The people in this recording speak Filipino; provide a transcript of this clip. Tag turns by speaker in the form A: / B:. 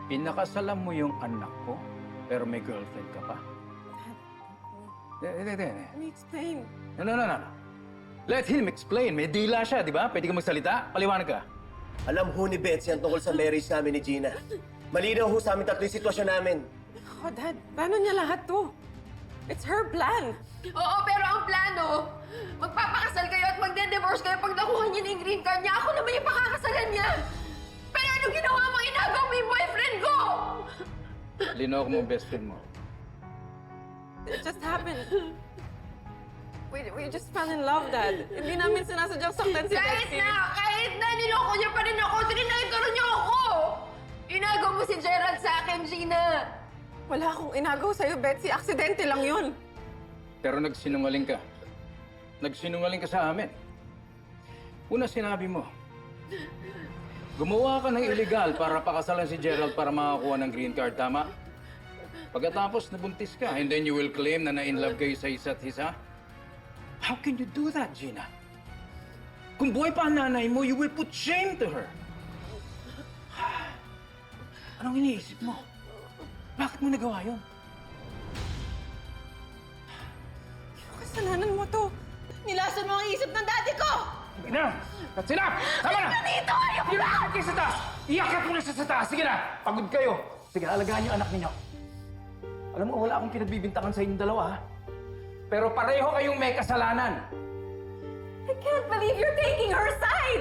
A: Pinakasalan mo yung anak ko, pero may girlfriend ka pa? Hindi.
B: Let me explain.
A: No. Let him explain. May dila siya, di ba? Pwede ka magsalita? Paliwanag ka.
C: Alam ho ni Betsy ang tungkol sa marriage namin ni Gina. Malinaw ho sa amin tatlo yung sitwasyon namin.
B: Oh, Dad, paano niya lahat to? It's her plan.
D: Oo, pero ang plano, magpapakasal kayo at magde-divorce kayo pag nakuha niya na yung green card niya. Ako naman yung pakakasalan niya. Pero ano ginawa mo? Inagaw mo yung boyfriend ko!
A: Linaw ko mo ang best friend mo.
B: It just happened. We just fell in love, Dad. Hindi namin sinasadyang saktan si Betsy.
D: Kahit na, niloko niya pa rin ako. Trinaytoro niyo ako! Inagaw mo si Gerald sa akin, Gina.
B: Wala akong inagaw sa'yo, Betsy. Aksidente lang yun.
A: Pero nagsinungaling ka. Nagsinungaling ka sa amin. Una sinabi mo, gumawa ka ng illegal para pakasalan si Gerald para makakuha ng green card, tama? Pagkatapos nabuntis ka, and then you will claim na na-inlove kayo sa isa't isa? How can you do that, Gina? Kung buhay pa ang nanay mo, you will put shame to her. Anong iniisip mo? Bakit mo nagawa yun?
B: Kasalanan mo to. Nilasan mo ang isip ng daddy ko!
A: Sige na! That's enough! Tama na!
D: Dito! Ayoko
A: Sige na! Iyak kayo sa taas! Iyak mo na siya sa taas! Sige na! Pagod kayo! Sige, alagaan yung anak ninyo. Alam mo, wala akong pinagbibintangan sa inyong dalawa, ha? Pero pareho kayong may kasalanan.
D: I can't believe you're taking her side!